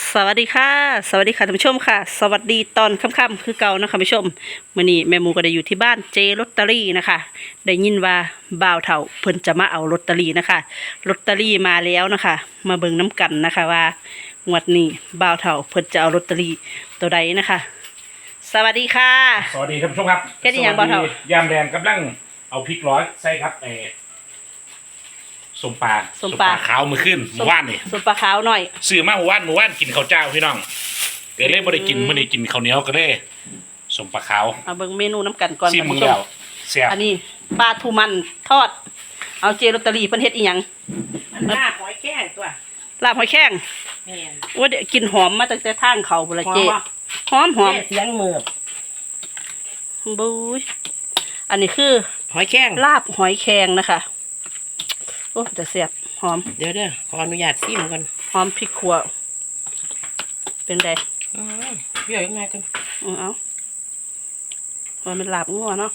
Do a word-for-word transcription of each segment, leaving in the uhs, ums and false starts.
สวัสดีค่ะสวัสดีค่ะท่านผู้ชมค่ะสวัสดีตอนค่ำๆคือเก่านะคะท่านผู้ชมมื้อนี้แม่หมูก็ได้อยู่ที่บ้านเจลอตเตอรี่นะคะได้ยินว่าบ่าวเฒ่าเพิ่นจะมาเอาลอตเตอรี่นะคะลอตเตอรี่มาแล้วนะคะมาเบิ่งน้ำกันนะคะว่างวดนี้บ่าวเฒ่าเพิ่นจะเอาลอตเตอรี่ตัวใดนะคะสวัสดีค่ะสวัสดีท่านผู้ชมครับแค่นี้ยังบ่เท่าสวัสดียามแดงกำลังเอาพริกร้อยใส่ครับเออสมปลาส้มปลาขาวมือขึ้นหมู่ว่านนี่สุปปลาขาวหน่อยซื้อมาหมู่ว่านหมู่ว่านกินข้าวเจ้าพี่น้องเกิดเล่บ่ได้กินมื้อนี้กินข้าวเหนียวก็เลยสมปลาขาวมาเบิ่งเมนูน้ำกันก่อนซีท่านมึงผู้ชแล้มวแซ่บอันนี้ปลาทูมันทอด เอาเจลอตเตอรี่เพิ่นเฮ็ดอีหยังมันลาบหอยแข้งตัวลาบหอยแข้งแม่นว่าเดี๋ยวกลินหอมมาตั้งแต่ทางเขาบุนละเจหอมปะหอมหอมแค่เสียงมือบบุ้ยอันนี้คือหอยแข้งลาบหอยแครงนะคะโอ้จะเสียบหอมเดี๋ยวเด้อขออนุญาตซิมกันหอมพริกขั่วเป็นไงอืมเปรี้ยวยังไงกันอือเอาว่ามันลาบงัวเนาะ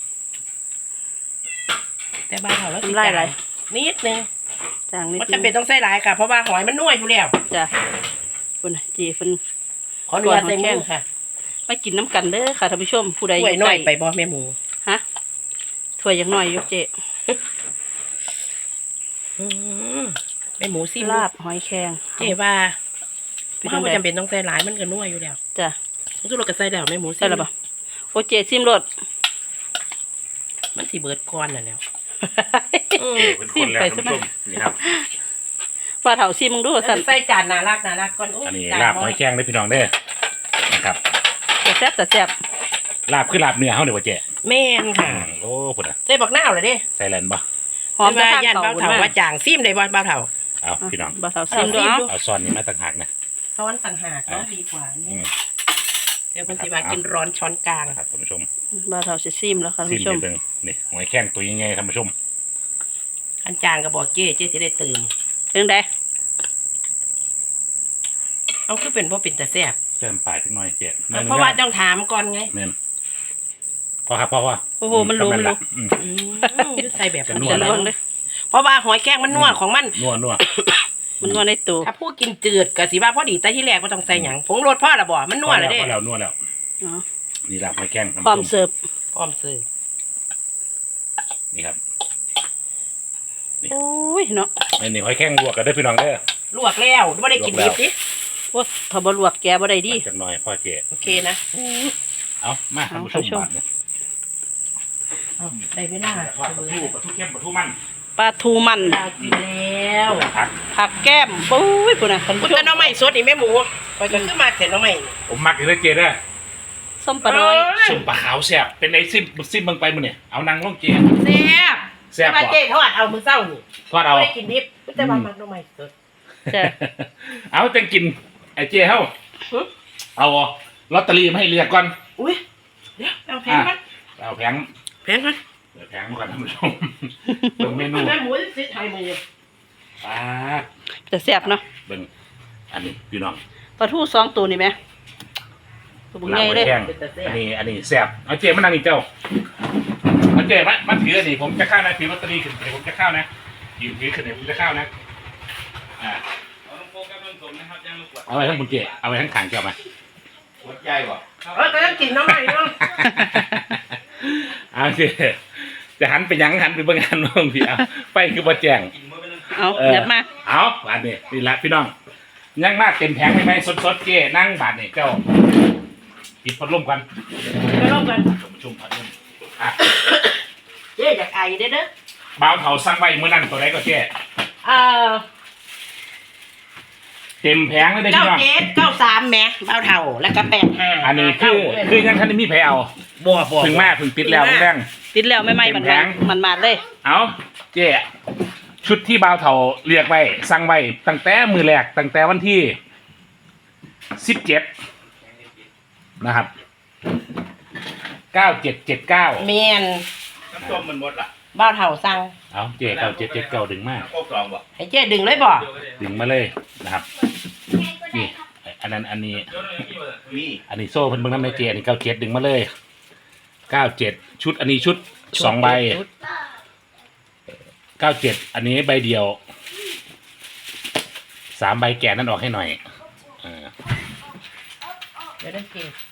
แต่บ้านเราแล้วสิน้ำลายไหลนิดนึงจางนิดมันนึจำเป็นงต้องใส่หลายค่ะ เพราะว่าหอยมันนัวอยู่แล้วจ้ะคุณน่ะเจีเพิ่นขออนุญาตใส่มือค่ะมากินน้ำกันเด้อค่ะท่านผู้ชมผู้ใดอถ้วยยู่น้ใกอล้ยไปบ่แม่หมูฮะถ้วยยังน้อยอยู่เจอืมแม่หมูซิมลาบหอยแครงเจ๊ว่าเป็นเพราะจังว่าใดจำเป็นต้องใส่หลายมันก็นัวอยู่แล้วจ้ะทุกเราก็ใส่แล้วแม่หมูซิใช่หรือเปล่าโอเจซิมรสมันสิเบิดก้อนน่ะแล้วเออเป็นคนแล้วท่านผู้ชมนี่ครับว่าเถาซิมมึงดูสั่นใส่จานน่ารักน่ารักก่อนโอันนี้จลาบหอยแข้งได้อพี่น้องเด้อนะครับแต่แซ่บแต่แซ่บลาบคือลาบเนื้อเฮาเด้อว่าเจ๊แม่นค่ะโอ้พุ่นน่ะใส่บักหน้าวเลยเด้ใส่แลนบ่หอมแต่แต่ว่าทางย่านเขาเบาเถาว่าจางซิมได้บ่เบาเถาเอาพี่น้องบ่าวเถาซิมด้วยเอาเอ้าซิมดูเอาซ้อนนี่มาต่างหากนะซ้อนต่างหากเนาะอ่าดีกว่าอืนี่มเดี๋ยวมันสิมากินร้อนช้อนกลางนะครับท่านผู้ชมบ่าวเถาสิซิมแล้วค่ะท่านซิมผู้ชมนิดนึงนี่หอยแข้งตัวยังไงท่านผู้ชมอันจางก็บอกเจ๊เจ๊สิได้ตื่นเรื่องใดเอาคือเป็นเพราะเป็นแต่แซ่บเติมปลายสักหน่อยเจ๊เพราะว่าต้องถามก่อนไงเมนพอครับพอว่าโอ้โหมันรู้มันรู้อืมอืมใส่แบบจะมันนัวจะจะลลววงงเลยเพราะว่าหอยแข้งมันนัวของมันนัวนัวมันนวดในตัวถ้าพูดกินจืดก็สิว่าพอดีแต่ที่แรกก็ต้องใส่หยังผงรสพ่อละบ่มันนัวเลยเด้พอแล้วนัวแล้วเนาะนี่ลาบหอยแข้งท่านพร้อมผู้ชมเสิร์ฟพร้อมซื้อนี่ครับโอ้ยเนาะนี่นี่หอยแข้งลวกกันได้อพี่น้องเด้อลวกแล้วไม่ได้กินดิบดิว่าถ้าบ่ลวกแกบ่ได้ดีจักหน่อยพ่อเจ๊โอเคนะเอามาท่านผู้ชมเอาท่านผู้ชมบาดเนี่ยเอาได้เวลาทอดปลาทูปลาทูเข้มปลาทูมันปลาทูมันลากินแล้วผักผักแก้มปุ้ยพุ่นน่ะท่านคุผู้ณชตาม หน่อไม้สดนี่แม่หมูคอยก็ขึ้นมาเสร็จหน่อไม้ผมมักอยู่เลยเจ๊เด้อส้มปลาน้อยซุ่มปลาขาวแซ่บเป็นไอ้ซิมซิมเบิ่งไปมื้อนี่เอานางลงเจ๊แซ่บแซ่บแต่ว่าบ่เจ๊ทอดเอามือเศร้านี่ทอดเอาไม่ได้กินดิบแต่ว่ามันหน่อไม้สดจ้ะเอาจังกินไอ้เจ๊เฮาหึเอาลอตเตอรี่มาให้เรียกก่อนอุ้ยเดี๋ยวเอาแพงมั้ยเอาแผงแพงมั้ยเดี๋ยวแผงมาก่อนท่านผู้ชมเบิ่งเมนูแม่หมูสิไทยมือปลาจะแซ่บเนาะเบิ่งอันนี้พี่น้องปลาทูสองตัวนี่แหมตัวบุญลาใหญ่บหอเลยแข้งอันนี้อันนี้แซ่บเอาเจ๊มานั่งนี่เจ้าเอาเจ๊มามาถืออันนี้ผมจะเข้านะถือลอตเตอรี่ขึ้นเดี๋ยวผมจะเข้านะยืนถือขึ้นเดี๋ยวผมจะเข้านะอ่าเอาลงโปรแกรมลงสมนะครับย่างลูกกวดเอาไว้ทั้งคุณเจ๊เอาไว้ทั้งขางเจ้ามาขวดใหญ่บ่เออแต่ต้องกินหน่อไม้เนาะเอาสิจะหันไปหยังหันไปเบิ่งหันน้องพี่เอาไปคือบ่แจ้งกินมื้อเป็นนึงเอาเออเดี๋ยวมาเอาบาดนี่นี่ละพี่น้องยังมากเต็มแผงไหมสดๆเจ้นั่งบาดนี่เจ้าปิดพัดลมกันไปร่วมกันชมชมพัดลมอ่ะเจ๊อยากไอเด้อเด้อบ่าวเฒ่าสั่งไว้มื้อนั้นตัวใดก็เจ้เอ่อเต็มแผงเลยเด้อเก้าพี่น้องเจ็ดเก้าสามแหม่เบ้าเท่าแล้วก็แปดห้าอันนี้คือคือยังทันได้มีไผเอาบัวบัวถึงมาถึงปิดแล้วแรงติดแล้วไม่ไหม้มันเต็มแผงมันมาดเลยเอาเจ้ชุดที่บ่าวเฒ่าเรียกไว้สั่งไว้ตั้งแต่มือแรกตั้งแต่วันที่สิบเจ็ดนะครับเก้าเจ็ดเจ็ดเก้าเมนน้ำส้มมันหมดละเบ้าเท่าสั่งเอาเจ๊เก้าเจ็ดเจ็ดเก้าดึงมาน้ำโคกกล่องบ่ให้เจ๊ดึงเลยบ่เดี๋ยวก็ได้ดึงมาเลยนะครับนี่อันนั้นอันนี้เดี๋ยวได้มีบ่มีอันนี้โซ่เพิ่นเบิ่งน้ำในเจอันนี้เก้าเจ็ดดึงมาเลยเก้าเจ็ดชุดอันนี้ชุดสองใบเก้าเจ็ดอันนี้ใบเดียวสามใบแก่นั่นออกให้หน่อยอ่าเดี๋ยวได้เก็บ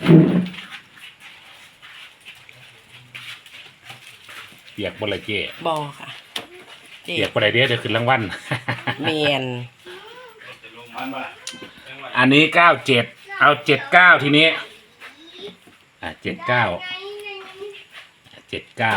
เปียกบ่ละเจ้บอค่ะเจ็เปียกบบ่ได้เด้อเดี๋ยวขึ้นรางวัลเมียนจะลงมันบ่ล่ะอันนี้เก้าเจ็ดเอาเจ็ดเก้าทีนี้อ่ะเจ็ดเก้าเจ็ดเก้า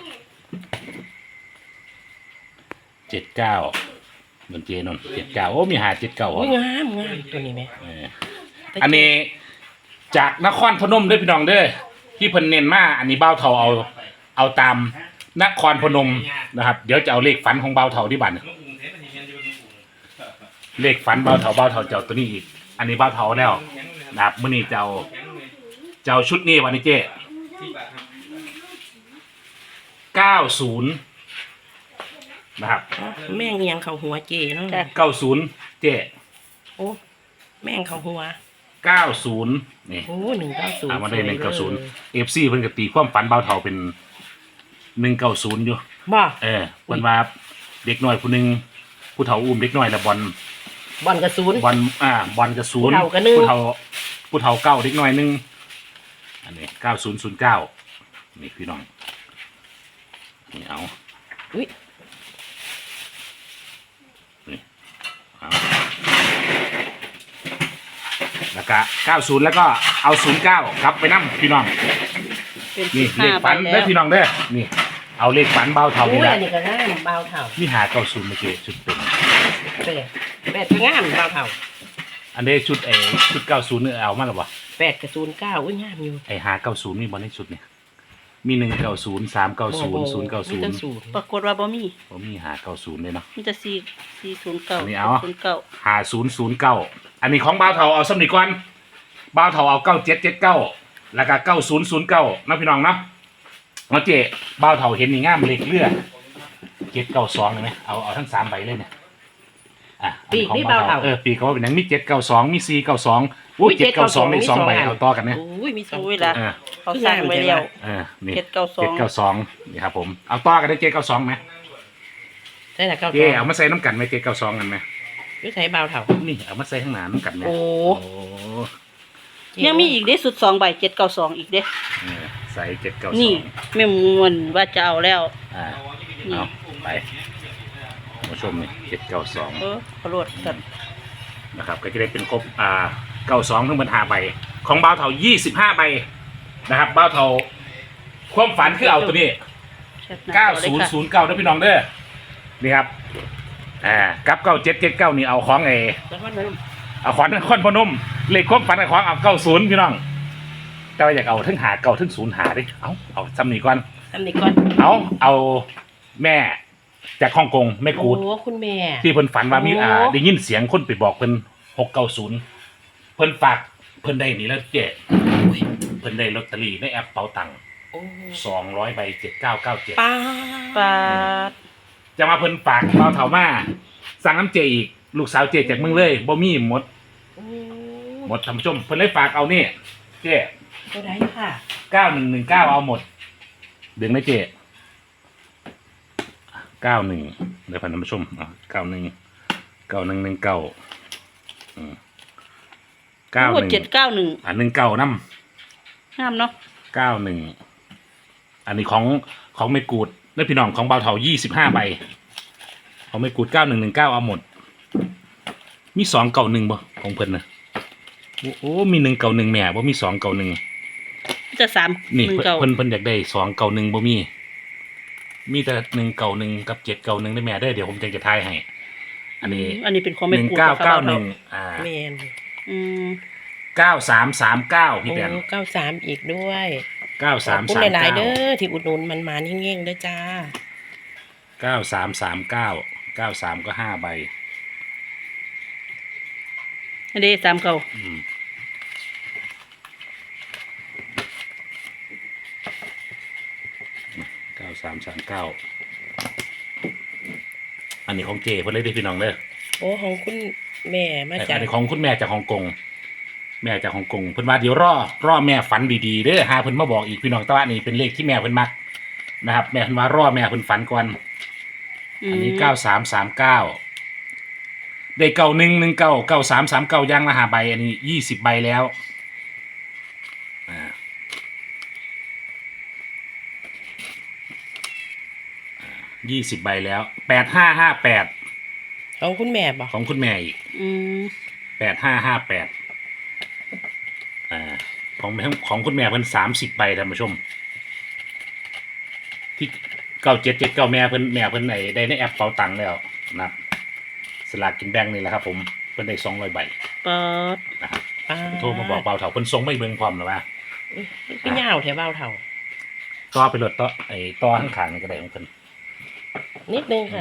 เจ็ดเก้าบนเจนนเจ็ดเก้าโอ้มีหาเจ็ดเก้าโอ้ยงามงามตัวนี้ไหมอันนี้จากนครพนมเด้วยพี่น้องเด้อที่เพิ่นเน้นมาอันนี้เบ้าเทาเอาเอาตามนครพนมนะครับเดี๋ยวจะเอาเลขฝันของเบ้าเทาที่บัตรลุงกรุงเทพมันสิเรียนอยู่ลุงกรุงเลขฝันเบ้าเทาเบ้าเทาเจ้าตัวนี้อีกอันนี้เบ้าเทาแล้วนะครับมื้อนี้เจ้าเจ้าชุดนี้วันนี้เจ้เก้าศูนย์นะครับแม่งเอียงเขาหัวเจเนาะเก้าศูนย์เจ้โอ้แม่งเขาหัวเก้าศูนย์นี่โอ้หนึ่งเก้าศูนย์อ่ามาได้หนึ่งเก้าศูนย์เอฟซีเพิ่นก็ตีความฝันเบ้าเทาเป็นหนึ่งเก้าศูนย์อยู่บ่เออเพิ่นว่าเด็กน้อยผู้หนึงผู้เฒ่าอุ้มเด็กน้อยแล้วบอลบอลกระศูนย์บอลอ่าบอลกระศูนย์ผู้เฒ่าก็หนึ่งผู้เฒ่าผู้เฒ่าเก้าเด็กน้อยหนึงอันนี้เก้าศูนย์ศูนย์เก้านี่พี่น้องนี่เอาอุ้ยนี่เอาแล้วก็เก้าศูนย์แล้วก็เอาศูนย์เก้ากลับไปนํพี่น้องเป็นนี่สิบเลห้าขใบฝันแล้เด้อวพี่น้องเด้อนี่เอาเลขฝันเบาเท่าอุ้นี่ยแหละอันนี้ก็งามเบาเท่านี่หาเก้าศูนย์เมื่อกี้ชุดเต็มแปดแปดก็งามเบาเท่าอันนี้ชุดไอ้ชุดเก้าศูนย์เนี่ยเอามาหรือเปล่าแปดกับศูนย์เก้าอุ้ยงามอยู่ไอ้หาเก้าศูนย์มีบอลในชุดเนี่ยมีหนึ่งเก้าศูนย์สามเก้าศูนย์ศูนย์เก้าศูนมีแต่ย์ศูนย์ปรากฏว่าบ่มีผมมีหาเก้าศูนย์เลยเนาะมีแต่สี่สี่ศูนย์เก้าอันนี้เอาศูนย์เก้าหาศูนย์ศูนย์เก้าอันนี้ของบ้าวเทาเอาสำนีก่อนบ้าวเทาเอาเก้าเจ็ดเจ็ดเก้าแล้วก็เก้าศูนย์ศูนย์เก้านะพี่น้องเนาะเอาเจ๊บ้าวเทาเห็นนี่งามเลขเลือเจ็ดเก้าสองเลยไหมเอาเอาทั้งสามใบเลยเนี่ยอ่ะอันนี้ของบ้าวเทาเออปีกเขาว่าเป็นหนังมีเจ็ดเก้าสองมีสี่เก้าสองอุ้ยเจ็ดเก้าสองเลขสองใบเอาต่อกันเนี่ยอุ้ยมีสองอุ้ยตัวละเออเขาสร้างไว้แล้วเออนี่เจ็ดเก้าสองเจ็ดเก้าสองนี่ครับผมเอาต่อกันได้เจ็ดเก้าสองไหมใช่ละเก้าเจ๊เอามาใส่น้ำกันไหมเจ็ดเก้าสองกันไหมยุ้ยใช้เบาเท่านี่เอามาใส่ข้างหน้าน้ำกันไหมโอ้โอ้ยังมีอีกเด้สุดสองใบเจ็ดเก้าสองอีกเด้เออใส่เจ็ดเก้าสนี่องแม่มวนว่าจะเอาแล้วอ่านี่เอาไปมาชมนี่เจ็ดเก้าสองเออขอรวดกันนะครับก็จะได้เป็นครบอ่าเก้าสองทั้งบรรหาใบของบ้าวเถายี่สิบห้าใบนะครับบ้าวเถาความฝันคือเอาตัวนี้แชทหน้เก้าจอศูนลย์ค่ะศูนย์เก้าด้วยพี่น้องเด้อนี่ครับอ่ากับเก้าเจ็ดเจ็ดเก้านี่เอาของไอแล้วก็เริ่มเอาขวานนครพนมเลขความฝันกับของเอาเก้าศูนย์พี่น้องแต่ว่าอยากเอาทั้งหาเก้าทั้งศูนย์หาดิเอาเอาซ้ำนี่ก่อนทำนี่ก่อนเอาเอาแม่จากฮ่องกงแม่กูดโอ้คุณแม่ที่เพิ่นฝันว่ามีโอ้อ่าได้ยินเสียงคนไปบอกเพิ่นหกเก้าศูนย์เพิ่นฝากเพิ่นได้นี่แล้วเจ๊อุ้ยเพิ่นได้ลอตเตอรี่ในแอปเป๋าตังค์โอ้สองร้อยใบเจ็ดเก้าเก้าเจ็ดป้าปาดจะมาเพิ่นฝากเบาเถามาสั่งน้ำเจอีกลูกสาวเจจากเมืองเลยบ่มีหมดโอ้หมดท่านผู้ชมเพิ่นเลยฝากเอานี่เจ๊ตัวไหนค่ะเก้าหนึ่งหนึ่งเก้าเอาหมดดึงนะเจ๊เก้าหนึ่งเดี๋ยวพันท่านผู้ชมอ่ะเก้าหนึ่งเก้าหนึ่งหนึ่งเก้าเก้าหโอ้นึ่งเจ็ดเก้าหนึ่งอ่ะหนึ่งเก้าน้งามเนาะำเก้าหนึ่งอันนี้ของของไม่กูดและพี่น้องของเบาเถายี่สิบห้าใบของไม่กูดเก้าหนึ่งหนึ่งเก้าเอาหมด มีสองเก่าหนึ่งบ่ของเพิ่นนะโอ้โอ้มีหนึ่งเก่าหนึ่งแม่บ่มีสองเก่าหนึ่งจะสามนี่หนึ่งเพิ่นเก้าเพิ่นเพิ่นอยากได้สองเก่าหนึ่งบ่มี มีแต่หนึ่งเก่าหนึ่งกับเจ็ดเก่าหนึ่งได้แม่ได้อเดี๋ยวผมจะจะทายให้ อันนี้อันนี้เป็นของหแม่นึ่งกูดเก้าค่ะเก้าบ่หนึ่งอ่าแมนอืมเก้าสามสามเก้าพี่โอ้แปนเก้าสามอีกด้วยเก้าขสาอบมคุณสามหลายๆเก้าเด้อที่อุดหนุนมันมาเงี้ยงๆเด้อจ้าเก้าสามสามเก้าเก้าสามก็ห้าใบอันนี้สามเก้าอืมเก้าสามสามเก้าอันนี้ของเจเพิ่นเลยได้อพี่น้องเด้อโอ้ของคุณแม่มาจากอันนี้ของคุณแม่จากฮ่องกงแม่จากฮ่องกงเพิ่นว่าเดี๋ยวรอรอแม่ฝันดีๆเด้อหาเพิ่นมาบอกอีกพี่น้องแต่ว่านี่เป็นเลขที่แม่เพิ่นมักนะครับแม่เพิ่นว่ารอแม่เพิ่นฝันก่อนอันนี้เก้าสามสามเก้าได้เก้าหนึ่งหนึ่งเก้าเก้าสามสามเก้าย่างละห้าใบอันนี้ยี่สิบใบแล้วยี่สิบใบแล้วแปดห้าห้าแปดของคุณแม่บ่ของคุณแม่อีกอืมแปดห้าห้าแปดอ่าของของคุณแม่เพิ่นสามสิบใบท่านผู้ชม ที่เก้าเจ็ดเจ็ดเก้าแม่เพิ่นแม่เพิ่นไหนได้ในแอปเป๋าตังค์แล้วนะครับสลากกินแบ่งนี่แหละครับผมเพิ่นได้สองร้อยใบเปิดนะครับอ่าโทรมาบอกเบาเถาเพิ่นส่งไม่เบิ่งพร้อมหรอวะพี่ยาวแถวเบาเท่าต่อไปรถต่อไอ้ต่อข้างๆนี่ก็ได้ของเพิ่นนิดนึงค่ะ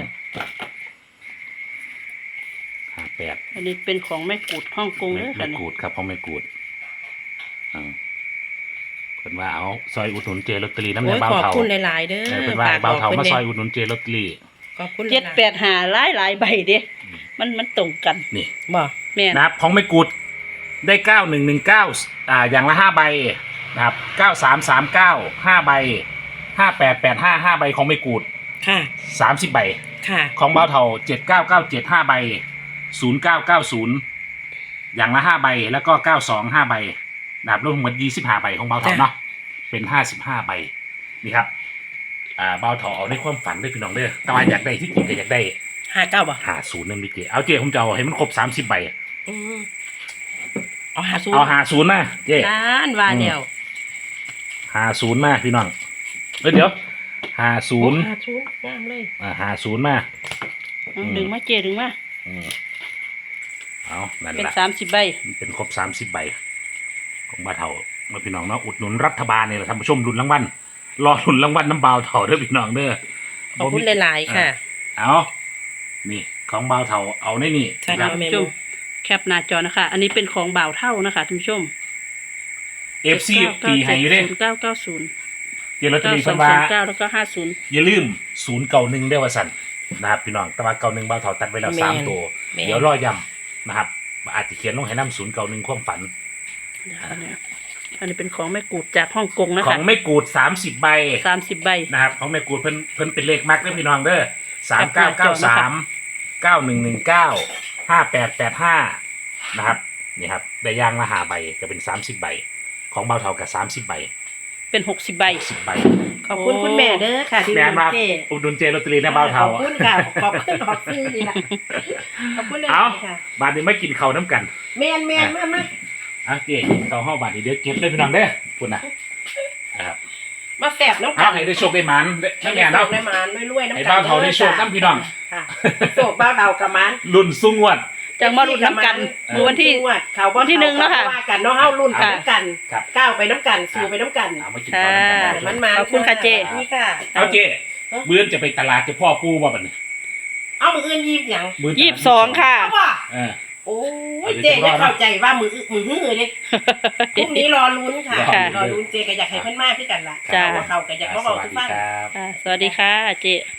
ห้าแปดอันนี้เป็นของแม่กูดฮ่องกงไม่เด้อไม่ค่ะนี่กูดครับของไม่กูดอ่าเพิ่นว่าเอาซอยอุดหนุนเจลอตเตอรี่น้ำโอ้เงิยนเบาขอบเถาคุณหลายๆเด้อเออเพิ่นว่าให้เบาเถาฝกบมาอกซอยพิ่นอุดหนุนเจลอตเตอรี่ขอบคุณเจ็ดแปดหาหลายหลายใบเด้มันมันตรงกันนี่บ่แม่นนะครับของไม่กูดได้เก้าหนึ่งหนึ่งเก้าอ่าอย่างละห้าใบนะครับเก้าสามสามเก้าห้าใบห้าแปดแปดห้าห้าใบของไม่กูดค่ะสามสิบใบค่ะของเบาเทาเจ็ดเก้าเก้าเจ็ดห้าใบศูนย์เก้าเก้าศูนย์อย่างละห้าใบแล้วก็เก้าสองห้าใบนะครับรวมทั้งหมดยี่สิบห้าใบของเบาเทาจ้ะเนาะเป็นห้าสิบห้าใบนี่ครับอ่าเบาเทาเอาในความฝันด้วยพี่น้องเด้อแต่ว่าอยากได้ที่จริงก็อยากได้ห้าเก้าบ่หาศูนย์นั่นดิเจเอาเจผมจะเอาให้มันครบสามสิบใบอืมเอาหาศูนย์เอาหาศูนย์มาเจล้านว่าเดียวหาศูนย์มาพี่น้องเอ้ยเดี๋ยวหาศูนย์หาศูนย์งามเลยอ่าหาศูนย์มาเอาดึงมาเจดึงมาอืมเอานั่นเป็นแหละสามสิบใบมันเป็นครบสามสิบใบของบ้าเถาเมื่อพี่น้องเนาะอุดหนุนรัฐบาลนี่แหละท่านผู้ชมลุ้นรางวัลรอลุ้นรางวัลน้ำบาวเถาเด้อพี่น้องเด้อขอบคุณหลายๆค่ะเอานี่ของบาวเถาเอาในนี่ใช่นะคครัรับ บท่านผู้ชมแคปหน้าจอนะคะ อันนี้เป็นของบ่าวเท่านะคะท่านผู้ชมเอฟซีตีให้อยู่เด้เก้าเก้าศูนย์เจลอตเตอเก้ารี่สอเพิ่งนว่าศูนย์เก้าแล้วก็ห้าศูนย์อย่าลืมศูนย์เก่าหนึ่งเด้อว่าสั่นนะครับพี่น้องแต่ว่าเก่าหนึ่งบาวเถาตัดไว้แล้วแม่นสามตัวแม่นเดี๋ยวรอย้ำนะครับอาจจะเขียนลงให้น้ำศูนย์เก่าหนึ่งความฝันอันนี้อันนี้เป็นของแม่กูดจากฮ่องกงนะขอคะงไม่กูดสามสิบใบสามสิบใบนะครับของแม่กูดเพิ่นเพิ่นเป็นเลขมักเด้อพี่น้องเด้อสามเก้าเก้าสามเก้าหนึ่งหนึ่งเก้าห้าแปดแปดห้านะครับนี่ครับได้ย่างละหาใบก็เป็นสามสิบใบของเบาเท่ากับสามสิบใบเป็นหกสิบใบสิบใบขอบคุณคุณแม่เด้อค่ะที่แม่นมาเจ๊อุดหนุนเจลอตเตอรี่นะเบาเท่าขอบคุณค่ะขอบคุณขอบคุณนี่ล่ะขอบคุณเลยเอาค่ะบาดนี้ไม่กินข้าวน้ำกันแม่นแม่นมามาอ่ะเจ๊กินข้าวห้าบาทนี้เดี๋ยวเก็บเลยพี่น้องเด้อคุณนะนะครับมาแสบน้ำเอาให้ได้โชคได้หมันได้แม่เนาะได้หมานรวยๆน้ำให้เบาเท่าได้โชคน้ำพี่น้องค่ะโชคเบาเท่ากับหมันรุ่นสู้งวดจังมารุ่นน้ำกันเมื่อวันที่เขาบ่วันที่หนึ่งเนาะค่ะว่ากันเนาะเฮารุ่นไปค่ะน้ำกันครับก้าวไปน้ำกันสู่ไปน้ำกันเอามากินข้าวน้ำกันค่ะเบามันเท่ามาขอบคุณค่ะเจ๊นี่ค่ะเอาเจ๊เมื่อนจะไปตลาดจะพ่อปูบ่บัดนี้เอามืออื่นยิ้มหยังมื้อตลาดยี่สิบสองค่ะเอาบ่เออโอ้ยเจ๊จะเข้าใจว่ามืออื้อมือหื้อเด้พรุ่งนี้รอลุ้นค่ะค่ะรอลุ้นเจ๊ก็อยากให้เพิ่นมากขึ้นกันล่ะจ้าเพราะว่าเขาก็อยากมาสบอกวัสทุกดีบ้านครับค่ะสวัสดีค่ะเจ